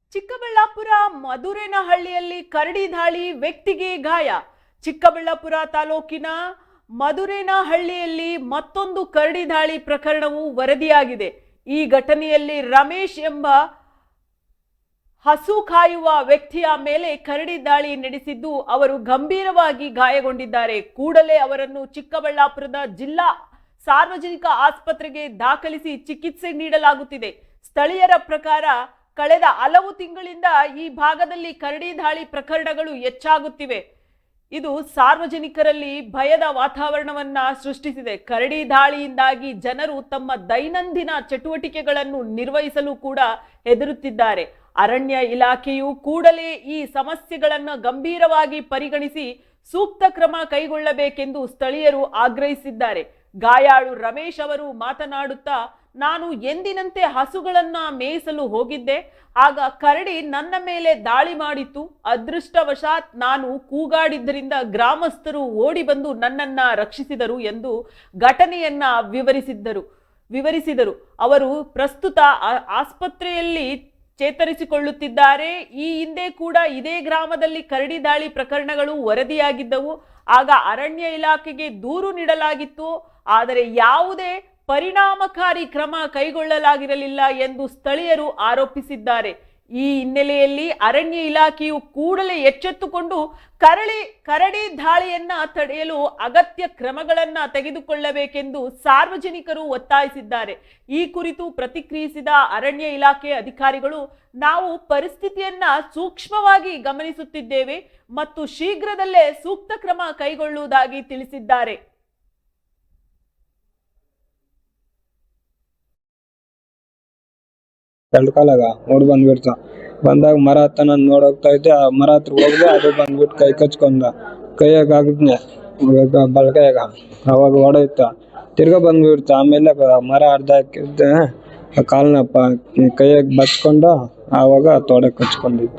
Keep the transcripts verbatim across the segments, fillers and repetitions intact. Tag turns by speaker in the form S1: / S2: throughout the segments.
S1: ಚಿಕ್ಕಬಳ್ಳಾಪುರ ಮಧುರೇನಹಳ್ಳಿಯಲ್ಲಿ ಕರಡಿ ದಾಳಿ, ವ್ಯಕ್ತಿಗೆ ಗಾಯ. ಚಿಕ್ಕಬಳ್ಳಾಪುರ ತಾಲೂಕಿನ ಮಧುರೇನಹಳ್ಳಿಯಲ್ಲಿ ಮತ್ತೊಂದು ಕರಡಿ ದಾಳಿ ಪ್ರಕರಣವು ವರದಿಯಾಗಿದೆ. ಈ ಘಟನೆಯಲ್ಲಿ ರಮೇಶ್ ಎಂಬ ಹಸು ಕಾಯುವ ವ್ಯಕ್ತಿಯ ಮೇಲೆ ಕರಡಿ ದಾಳಿ ನಡೆಸಿದ್ದು ಅವರು ಗಂಭೀರವಾಗಿ ಗಾಯಗೊಂಡಿದ್ದಾರೆ. ಕೂಡಲೇ ಅವರನ್ನು ಚಿಕ್ಕಬಳ್ಳಾಪುರದ ಜಿಲ್ಲಾ ಸಾರ್ವಜನಿಕ ಆಸ್ಪತ್ರೆಗೆ ದಾಖಲಿಸಿ ಚಿಕಿತ್ಸೆ ನೀಡಲಾಗುತ್ತಿದೆ. ಸ್ಥಳೀಯರ ಪ್ರಕಾರ ಕಳೆದ ಹಲವು ತಿಂಗಳಿಂದ ಈ ಭಾಗದಲ್ಲಿ ಕರಡಿ ದಾಳಿ ಪ್ರಕರಣಗಳು ಹೆಚ್ಚಾಗುತ್ತಿವೆ. ಇದು ಸಾರ್ವಜನಿಕರಲ್ಲಿ ಭಯದ ವಾತಾವರಣವನ್ನ ಸೃಷ್ಟಿಸಿದೆ. ಕರಡಿ ದಾಳಿಯಿಂದಾಗಿ ಜನರು ತಮ್ಮ ದೈನಂದಿನ ಚಟುವಟಿಕೆಗಳನ್ನು ನಿರ್ವಹಿಸಲು ಕೂಡ ಹೆದರುತ್ತಿದ್ದಾರೆ. ಅರಣ್ಯ ಇಲಾಖೆಯು ಕೂಡಲೇ ಈ ಸಮಸ್ಯೆಗಳನ್ನು ಗಂಭೀರವಾಗಿ ಪರಿಗಣಿಸಿ ಸೂಕ್ತ ಕ್ರಮ ಕೈಗೊಳ್ಳಬೇಕೆಂದು ಸ್ಥಳೀಯರು ಆಗ್ರಹಿಸಿದ್ದಾರೆ. ಗಾಯಾಳು ರಮೇಶ್ ಅವರು ಮಾತನಾಡುತ್ತಾ, ನಾನು ಎಂದಿನಂತೆ ಹಸುಗಳನ್ನ ಮೇಯಿಸಲು ಹೋಗಿದ್ದೆ. ಆಗ ಕರಡಿ ನನ್ನ ಮೇಲೆ ದಾಳಿ ಮಾಡಿತ್ತು. ಅದೃಷ್ಟವಶಾತ್ ನಾನು ಕೂಗಾಡಿದ್ದರಿಂದ ಗ್ರಾಮಸ್ಥರು ಓಡಿ ಬಂದು ನನ್ನನ್ನ ರಕ್ಷಿಸಿದರು ಎಂದು ಘಟನೆಯನ್ನ ವಿವರಿಸಿದ್ದರು ವಿವರಿಸಿದರು ಅವರು ಪ್ರಸ್ತುತ ಆಸ್ಪತ್ರೆಯಲ್ಲಿ ಚೇತರಿಸಿಕೊಳ್ಳುತ್ತಿದ್ದಾರೆ. ಈ ಹಿಂದೆ ಕೂಡ ಇದೇ ಗ್ರಾಮದಲ್ಲಿ ಕರಡಿ ದಾಳಿ ಪ್ರಕರಣಗಳು ವರದಿಯಾಗಿದ್ದವು. ಆಗ ಅರಣ್ಯ ಇಲಾಖೆಗೆ ದೂರು ನೀಡಲಾಗಿತ್ತು. ಆದರೆ ಯಾವುದೇ ಪರಿಣಾಮಕಾರಿ ಕ್ರಮ ಕೈಗೊಳ್ಳಲಾಗಿರಲಿಲ್ಲ ಎಂದು ಸ್ಥಳೀಯರು ಆರೋಪಿಸಿದ್ದಾರೆ. ಈ ಹಿನ್ನೆಲೆಯಲ್ಲಿ ಅರಣ್ಯ ಇಲಾಖೆಯು ಕೂಡಲೇ ಎಚ್ಚೆತ್ತುಕೊಂಡು ಕರಡಿ ಕರಡಿ ದಾಳಿಯನ್ನ ತಡೆಯಲು ಅಗತ್ಯ ಕ್ರಮಗಳನ್ನ ತೆಗೆದುಕೊಳ್ಳಬೇಕೆಂದು ಸಾರ್ವಜನಿಕರು ಒತ್ತಾಯಿಸಿದ್ದಾರೆ. ಈ ಕುರಿತು ಪ್ರತಿಕ್ರಿಯಿಸಿದ ಅರಣ್ಯ ಇಲಾಖೆ ಅಧಿಕಾರಿಗಳು, ನಾವು ಪರಿಸ್ಥಿತಿಯನ್ನ ಸೂಕ್ಷ್ಮವಾಗಿ ಗಮನಿಸುತ್ತಿದ್ದೇವೆ ಮತ್ತು ಶೀಘ್ರದಲ್ಲೇ ಸೂಕ್ತ ಕ್ರಮ ಕೈಗೊಳ್ಳುವುದಾಗಿ ತಿಳಿಸಿದ್ದಾರೆ.
S2: ಎರಡು ಕಾಲಾಗ ಓಡ್ ಬಂದ್ಬಿಡ್ತ ಬಂದಾಗ ಮರ ಹತ್ತ ನಾನು ನೋಡೋಗ್ತಾ ಇದ್ದೆ. ಆ ಮರ ಹತ್ರ ಹೋಗ್ದೆ, ಅದು ಬಂದ್ಬಿಟ್ಟು ಕೈ ಕಚ್ಕೊಂಡ ಕೈಯಾಗ ಆಗಿದ್ನೆ ಬಲಕೈಯಾಗ. ಅವಾಗ ಹೊಡೆಯುತ್ತ ತಿರ್ಗಾ ಬಂದ್ಬಿಡ್ತ. ಆಮೇಲೆ ಮರ ಅರ್ಧ ಹಾಕಿದ್ದೆ, ಕಾಲ್ನಪ್ಪ ಕೈಯಾಗ ಬಚ್ಕೊಂಡು ಆವಾಗ ತೊಡೆ ಕಚ್ಕೊಂಡಿದ್ದೆ.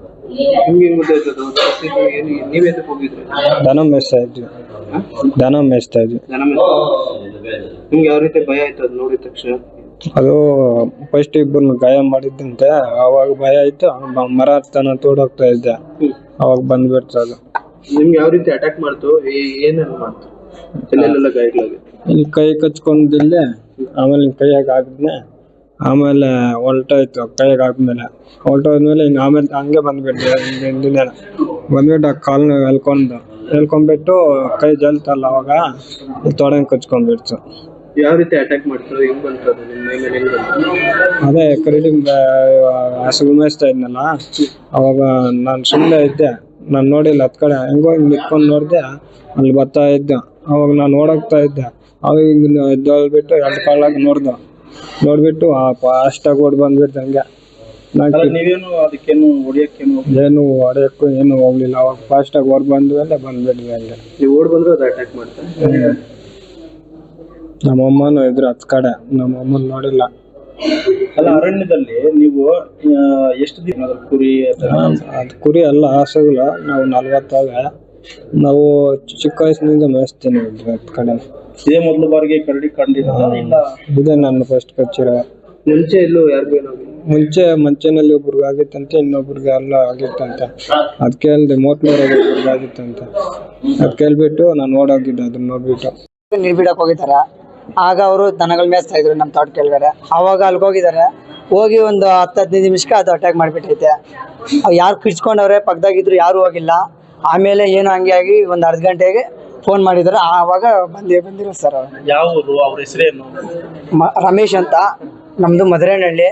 S2: ದನ ಮೇಯಿಸ್ತಾ ಇದ್ವಿ ದನ ಮೇಯಿಸ್ತಾ ಇದ್ವಿ
S3: ನಿಮ್ಗೆ ಯಾವ ರೀತಿ ಭಯ ಆಯ್ತು ಅದು ನೋಡಿದ ತಕ್ಷಣ?
S2: ಅದು ಫಸ್ಟ್ ಇಬ್ಬರನ್ನ ಗಾಯ ಮಾಡಿದ್ದಂತೆ. ಅವಾಗ ಭಯ ಆಯ್ತು. ಮರ ಹತ್ತನ ತೋಡೋಗ್ತಾ ಇದ್ದೆ, ಅವಾಗ ಬಂದ್ಬಿಡ್ತು. ಅದು
S3: ನಿಮ್ಗೆ ಯಾವ ರೀತಿ ಅಟ್ಯಾಕ್ ಮಾಡ್ತು? ಏನೇನು ಮಾಡ್ತು? ಎಲ್ಲೆಲ್ಲ ಗಾಯಗಳಾಗಿ?
S2: ಇಲ್ಲಿ ಕೈ ಕಚ್ಕೊಂಡಿಲ್ಲ, ಆಮೇಲೆ ಕೈಯಾಗ ಆಗಿದ್ನೆ. ಆಮೇಲೆ ಹೊಲ್ಟಾಯ್ತು. ಕೈಯಾಗ ಆದ್ಮೇಲೆ ಹೊಲ್ಟೋದ್ಮೇಲೆ ಹಿಂಗೆ ಆಮೇಲೆ ಹಂಗೆ ಬಂದ್ಬಿಟ್ಟೆ. ಹಿಂದಿನ ಬಂದ್ಬಿಟ್ಟು ಆ ಕಾಲ್ನ ಎಲ್ಕೊಂಡು ಎಲ್ಕೊಂಡ್ಬಿಟ್ಟು ಕೈ ಜಲ್ತಲ್ಲ, ಅವಾಗ ತೊಡೆಂಗ್ ಕಚ್ಕೊಂಡ್ಬಿಡ್ತು.
S3: ಯಾವ ರೀತಿ ಅಟ್ಯಾಕ್ ಮಾಡ್ತಾರೆ? ಹೆಂಗ್ ಬಂತು ನಿಮ್ಮ ಮೈ ಮೇಲೆ? ಹೆಂಗ್ ಬಂತು?
S2: ಅದೇ ಕರಡಿ ಹಸು ಮೇಯಿಸ್ತಾ ಇದ್ನಲ್ಲ, ಅವಾಗ ನಾನು ಸುಮ್ಮನೆ ಇದ್ದೆ. ನಾನು ನೋಡಿಲ್ಲ, ಹತ್ ಕಡೆ ಹೆಂಗೋ ಹಿಂಗೆ ನಿತ್ಕೊಂಡು ನೋಡಿದೆ, ಅಲ್ಲಿ ಬರ್ತಾ ಇದ್ದೆ. ಅವಾಗ ನಾನು ಓಡೋಗ್ತಾ ಇದ್ದೆ. ಅವಾಗ ಹಿಂಗೆ ಎದ್ದೋಳ್ಬಿಟ್ಟು ಎರಡು ಕಾಲಾಗ ನೋಡ್ದೆ. ನೋಡ್ಬಿಟ್ಟು ಅಷ್ಟಾಗ ಓಡ್ ಬಂದ್ಬಿಟ್ಟು ಹಂಗೆ.
S3: ನೀವೇನು ಅದಕ್ಕೇನು ಹೊಡಿಯಕ್ಕೇನು?
S2: ಏನು ಹೊಡೆಯಕ್ಕೂ ಏನು ಹೋಗ್ಲಿಲ್ಲ. ಅವಾಗ ಫಾಸ್ಟಾಗಿ ಓಡ್ ಬಂದ್ಮೇಲೆ ಬಂದ್ಬಿಟ್ವಿ ಹಂಗೆ.
S3: ನೀವು ಓಡ್ ಬಂದ್ರೆ ಅದು ಅಟ್ಯಾಕ್ ಮಾಡ್ತಾರೆ?
S2: ನಮ್ಮಮ್ಮನೂ ಇದ್ರು ಹತ್ ಕಡೆ, ನಮ್ಮಮ್ಮನ ನೋಡಿಲ್ಲ.
S3: ಅಲ್ಲ, ಅರಣ್ಯದಲ್ಲಿ ನೀವು ಎಷ್ಟು ದಿನ ಕುರಿ?
S2: ಅದು ಕುರಿ ಅಲ್ಲ, ಹಸುಗಳು. ನಾವು ನಲ್ವತ್ತಾವೆ. ನಾವು ಚಿಕ್ಕ ವಯಸ್ಸಿನಿಂದ ಮೇಯಿಸ್ತೀನಿ ಹತ್ ಕಡೆ.
S3: ಇದೇ ಮೊದಲು ಬಾರಿಗೆ ಕರಡಿ ಕಂಡಿಲ್ಲ?
S2: ಇದೇ ನಾನು ಫಸ್ಟ್ ಕಚ್ಚಿರೋ.
S3: ಮುಂಚೆ ಎಲ್ಲೂ ಯಾರಿಗೂ ಏನಾಗಿಲ್ಲ?
S2: ಮುಂಚೆ ಮಂಚೆನಲ್ಲಿ ಒಬ್ರಿಗೆ ಆಗಿತ್ತಂತೆ, ಇನ್ನೊಬ್ರಿಗೆ ಎಲ್ಲ ಆಗಿತ್ತಂತೆ. ಅದ್ ಕೇಳ್ದೆ, ಮೋಟ್ಲೂರಾಗ ಒಬ್ರಿಗೆ ಆಗಿತ್ತಂತೆ. ಅದ್ ಕೇಳ್ಬಿಟ್ಟು ನಾನು ಓಡೋಗಿದ್ದೆ. ಅದನ್ನ ನೋಡ್ಬಿಟ್ಟು
S4: ನೀರ್ ಬಿಡಕ್ ಹೋಗಿದಾರ. ಆಗ ಅವರು ದನಗಳು ಮೇಯಿಸ್ತಾ ಇದ್ರು ನಮ್ಮ ತೋಟ ಕೆಳಗಡೆ. ಅವಾಗ ಅಲ್ಲಿಗೆ ಹೋಗಿದ್ದಾರೆ. ಹೋಗಿ ಒಂದು ಹತ್ತು ಹದಿನೈದು ನಿಮಿಷಕ್ಕೆ ಅದು ಅಟ್ಯಾಕ್ ಮಾಡಿಬಿಟ್ಟೈತೆ. ಅವು ಯಾರು ಕಿಡ್ಸ್ಕೊಂಡವ್ರೆ, ಪಕ್ಕದಾಗಿದ್ರು, ಯಾರು ಹೋಗಿಲ್ಲ. ಆಮೇಲೆ ಏನು ಹಂಗೆ ಆಗಿ ಒಂದು ಅರ್ಧ ಗಂಟೆಗೆ ಫೋನ್ ಮಾಡಿದ್ದಾರೆ. ಆವಾಗ ಬಂದೇ ಬಂದಿರೋ ಸರ್. ಅವರು
S3: ಯಾವ ಊರು? ಅವ್ರ ಹೆಸರೇನು?
S4: ರಮೇಶ್ ಅಂತ, ನಮ್ದು ಮಧುರೇನಹಳ್ಳಿ.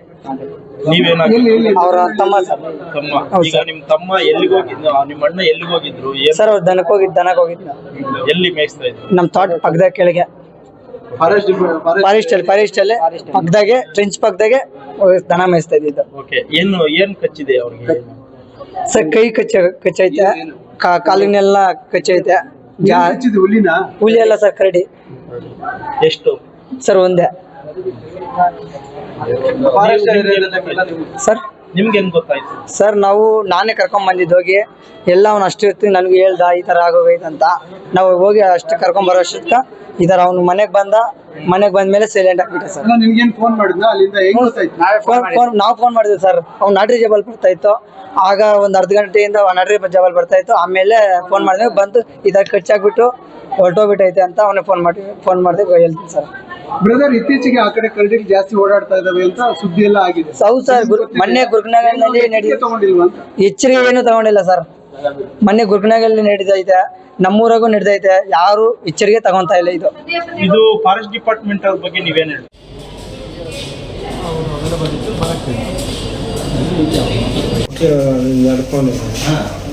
S4: ಅವ್ರ ತಮ್ಮ ಸರ್.
S3: ಈಗ ನಿಮ್ ತಮ್ಮ ಎಲ್ಲಿಗೆ ಹೋಗಿದ್ರು? ನಿಮ್ಮ ಅಣ್ಣ ಎಲ್ಲಿಗೆ ಹೋಗಿದ್ರು
S4: ಸರ್? ಅವ್ರು ದನಕ್ಕೆ ಹೋಗಿದ್ ದನಕ್ಕೆ ಹೋಗಿದ್ನ.
S3: ಎಲ್ಲಿ ಮೇಯಿಸ್ತಾ ಇದ್ರು?
S4: ನಮ್ಮ ತೋಟ ಪಕ್ಕದ ಕೆಳಗೆ, ಫಾರೆಸ್ಟ್ ಅಲ್ಲಿ ಫಾರೆಸ್ಟ್ ಅಲ್ಲಿ ಪಕ್ಕದಾಗೆ, ಟ್ರೆಂಚ್ ಪಕ್ಕದಾಗೆ ದನ ಮೇಯಿಸ್ತಾ ಇದ್ದಿದ್ದು.
S3: ಏನು ಏನ್ ಕಚ್ಚಿದೆ ಅವ್ರಿಗೆ?
S4: ಸರ್ ಕೈ ಕಚ್ಚ ಕಚ್ಚೈತೆ, ಕಾಲಿನೆಲ್ಲ ಕಚ್ಚೈತೆ. ಹುಲಿ ಅಲ್ಲ ಸರ್, ಕರಡಿ.
S3: ಎಷ್ಟು
S4: ಸರ್? ಒಂದೇ ಸರ್.
S5: ನಿಮ್ಗೆ ಹೆಂಗ್ ಗೊತ್ತಾಯ್ತು?
S4: ಸರ್ ನಾವು ನಾನೇ ಕರ್ಕೊಂಡ್ ಬಂದಿದ್ದು ಹೋಗಿ ಎಲ್ಲ ಅವ್ನು ಅಷ್ಟು ಇರ್ತೀನಿ ನನಗೆ ಹೇಳ್ದ ಈ ಥರ ಆಗೋಗೈತೆ ಅಂತ. ನಾವು ಹೋಗಿ ಅಷ್ಟು ಕರ್ಕೊಂಡ್ ಬರೋ ಅಷ್ಟಕ್ಕ ಈ ಥರ ಅವ್ನು ಮನೆಗೆ ಬಂದ. ಮನೆಗೆ ಬಂದ್ಮೇಲೆ ಸೈಲೆಂಟ್ ಆಗ್ಬಿಟ್ಟೆ ಸರ್.
S6: ನಿಮ್ಗೇನ್ ಫೋನ್ ಮಾಡಿದ್ನ ಅಲ್ಲಿಂದ ಹೆಂಗ್ ಗೊತ್ತಾಯ್ತು?
S4: ಫೋನ್ ಫೋನ್ ನಾವು ಫೋನ್ ಮಾಡಿದ್ವಿ ಸರ್. ಅವ್ನು ನಾಟ್ರಿ ಜಬಲ್ ಬರ್ತಾ ಇತ್ತು. ಆಗ ಒಂದು ಅರ್ಧ ಗಂಟೆಯಿಂದ ನಾಟ್ರಿ ಜಬಲ್ ಬರ್ತಾ ಇತ್ತು. ಆಮೇಲೆ ಫೋನ್ ಮಾಡಿದ್ವಿ, ಬಂದು ಈ ಥರ ಖರ್ಚಾಗ್ಬಿಟ್ಟು ಹೊರಟೋಗ್ಬಿಟ್ಟೈತೆ ಅಂತ ಅವನೇ ಫೋನ್ ಮಾಡಿ ಫೋನ್ ಮಾಡಿದೆ ಹೇಳ್ತೀನಿ ಸರ್.
S6: ಬ್ರದರ್, ಇತ್ತೀಚೆಗೆ ಆ ಕಡೆ ಕರಡಿಗಳು ಜಾಸ್ತಿ ಓಡಾಡ್ತಾ ಇದಾವೆ ಅಂತ ಸುದ್ದಿ ಎಲ್ಲ ಆಗಿದೆ.
S4: ಹೌದು ಸರ್. ಗುರು ಮೊನ್ನೆ ಗುರುಕನಗಲ್ನಲ್ಲಿ ನಡೀ
S6: ತಗೊಂಡಿಲ್ವಾ ಅಂತ?
S4: ಎಚ್ಚರಿಕೆ ಏನು ತಗೊಂಡಿಲ್ಲ ಸರ್. ಮೊನ್ನೆ ಗುರುಕನಗಲ್ಲಿ ನಡೀತೈತೆ, ನಮ್ಮೂರಾಗೂ ನಡೀತೈತೆ, ಯಾರು ಎಚ್ಚರಿಕೆ ತಗೊಂತಾ ಇಲ್ಲ. ಇದು
S5: ಇದು ಫಾರೆಸ್ಟ್ ಡಿಪಾರ್ಟ್ಮೆಂಟ್ ಅವ್ರ ಬಗ್ಗೆ ನೀವೇನ್ ಹೇಳಿ?
S2: ನಡ್ಕೊಂಡು